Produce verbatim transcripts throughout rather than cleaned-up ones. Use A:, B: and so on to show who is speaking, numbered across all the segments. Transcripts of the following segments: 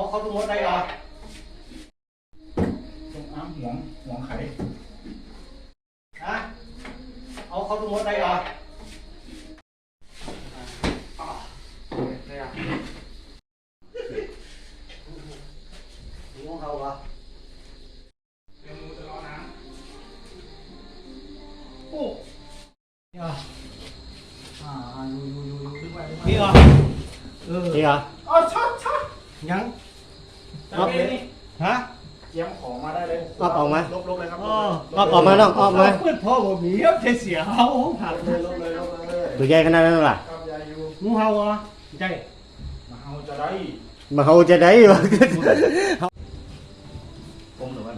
A: เขาดูมดได้เหรอ
B: จงอ้างหวงหวงไข่
A: ฮะเอาเขาดูมดได้เหรองูเขาเหรอ
B: เดี๋ยวมูจะรอน้ำ
A: โอ้นี่เหรอ
B: อ่าอยู่อยู่อยู่อยู่ดึงไว้ดึงไว้
A: นี่เหรอเออนี่เหรอ
B: อ๋อชัดชัด
A: ยัง
B: จับเลยนี่
A: ฮะ
B: เจียมของมาได้เลย
A: ออกออกมา
B: ลบลบเลยครับ
A: อ๋อ
B: ลบ
A: ออกมาน้องออกมา
C: เพื่อนพ่อผมมีครับเสียเขาผัก
B: ลบเลยลบเลยลบเลย
A: ตัวใหญ่ขนาดนั้นหรอ
B: ครับยายอยู่
C: งูเห่าเหรอใช่
B: มาเอาจะได้
A: มาเขาจะได้เหรอผมหรือว่า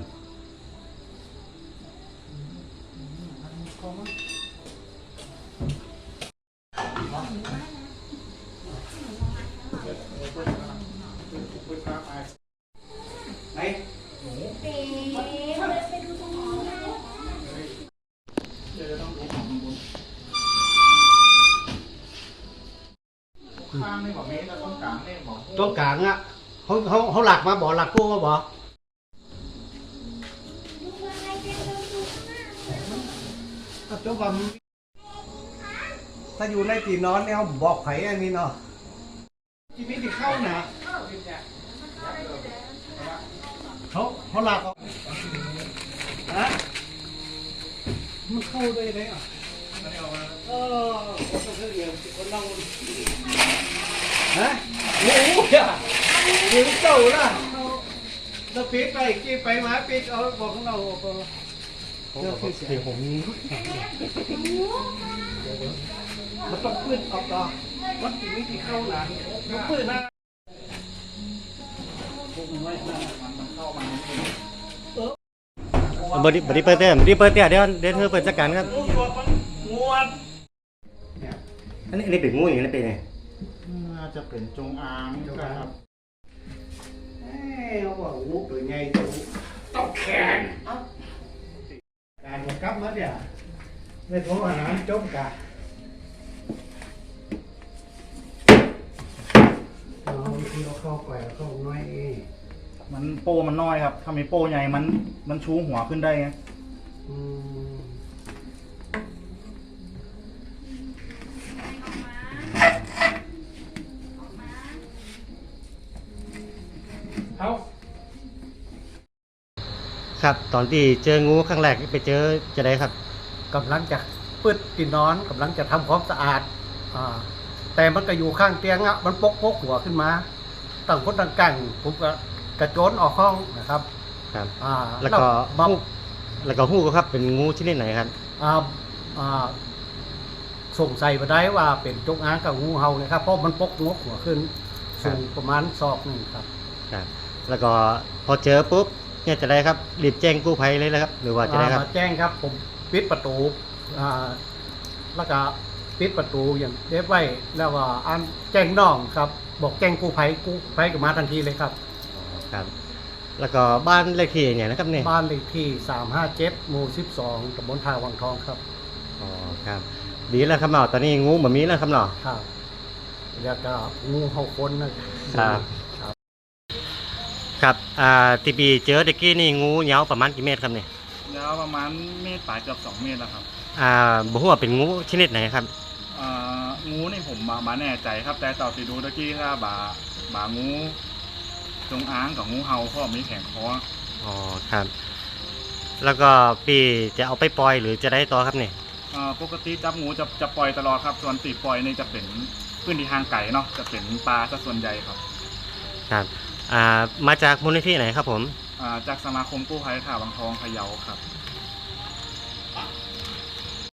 A: ไหนหนู
D: เป๋ไปดูตรงนี้นะ
B: เดี๋ยวจะต้องดูของบนข้างนี่บอกเมตรแล้วต้นกลางนี่บอก
C: ตัวกลางอ่ะเขาเขาเขาหลักมาบ่หลักกู้มาบ่
D: ดูอะไรกันดูดูข้างหน้า
C: ตัวผมถ้าอยู่ในตีนอนเนี่ยเขาบอกไผอันนี้เนาะที่นี่ที่เข้านะเขาเขาหลักเอาฮะมันเข้าได้ไหมอ่ะเออคนต้องเรียนคนต้องฮะโอ้โหอ่ะยิงเจ้าละเราปิดไปกี่ไปมาปิดเอาบอกของเราเรื่องคือเสียงผมมันต้องปืนออกต่อมันถึงวิธีเข้าหลังมันปืนนะ
B: พวกมันไว้หน้ามันมันเข้ามานิดนึง
A: บริบริเปิดเต้บริเปิดเต้เดี๋ยวเดี๋ยวเธอเปิดจัดการครับ
C: งวด
B: เนี่ย
A: อันนี้อันนี้เป็นงูอย่างนี้เป็นไง
B: น่าจะเป็นจงอางครับ
C: เอ้ยเขาบอกงูตัวใหญ่ตัวต้องแข็งการจะกลับมาเนี่ยในท้องอาหารจมกะเอาที่เราเข้าไปเข้าน้อยเอง
B: มันโป้มันน้อยครับถ้ามีโป้ใหญ่มันมันชูหัวขึ้นได้ไง
C: อืม
B: เขา
A: ครับ ตอนที่เจองูครั้งแรกไปเจอจะได้ครับ
C: กำลังจะปืดกินนอนกำลังจะทำความสะอาดอ่าแต่มันก็อยู่ข้างเตียงอ่ะมันปกปกหัวขึ้นมาต่างคนต่างกันผมก็กระโจนออกห้องนะครับ
A: ครับ
C: อ่า
A: แล้วก็
C: มา
A: ฮู้แล้วก็ฮู้ก็ครับเป็นงูชนิดไหนครับ
C: อ่าอ่าสงสัยมาได้ว่าเป็นจงอางกับงูเห่านะครับเพราะมันปกงกหัวขึ้น
A: ครับ
C: สูงประมาณศอกหนึ่งครับ
A: ครับ แล้วก็พอเจอปุ๊บเนี่ยจะได้ครับรีบแจ้งกู้ภัยเลยนะครับ หรือว่าจะได้ครับ
C: มาแจ้งครับผมปิดประตูอ่าแล้วก็ปิดประตูอย่างเรียบไว้แล้วก็อันแจ้งน้องครับ บอกแจ้งกู้ภัยกู้ภัยก็มาทันทีเลยครับ
A: ครับ แล้วก็บ้านเลขที่อย่างนะครับเนี่ย
C: บ้านเลขที่สามห้าเจ็ดหมู่สิบสองตำบลท่าวังทองครับ
A: อ๋อครับ ดีแล้วครับเนาะตอนนี้งูแบบนี้แล้วครับเนาะ
C: ครับแล้วก็งูเห่าคนนะครับ
A: ครับอ่าทีปีเจอตะกี้นี่งูยาวประมาณกี่เมตรครับเนี่ย
B: ยาวประมาณเมตรปลายเกือบสองเมตรแล้วครับ
A: อ่าบ่ฮู้ว่าเป็นงูชนิดไหนครับ
B: อ่างูนี่ผมมามาแน่ใจครับ แต่ต่อที่ดูตะกี้ถ้าบาบางูจงอางกับงูเห่าเพราะมีแข็งคอ
A: อ๋อครับ แล้วก็ปีจะเอาไปปล่อยหรือจะได้ต่อครับเนี่ย
B: อ่าปกติจับงูจะจะปล่อยตลอดครับส่วนตีปล่อยนี่จะเป็นพื้นที่ทางไก่เนาะจะเป็นปลาซะส่วนใหญ่ครับ
A: ครับอ่ามาจากมูลนิธิไหนครับผม
B: อ่าจากสมาคมกู้ภัยข่าวบางทองพะเยาครับ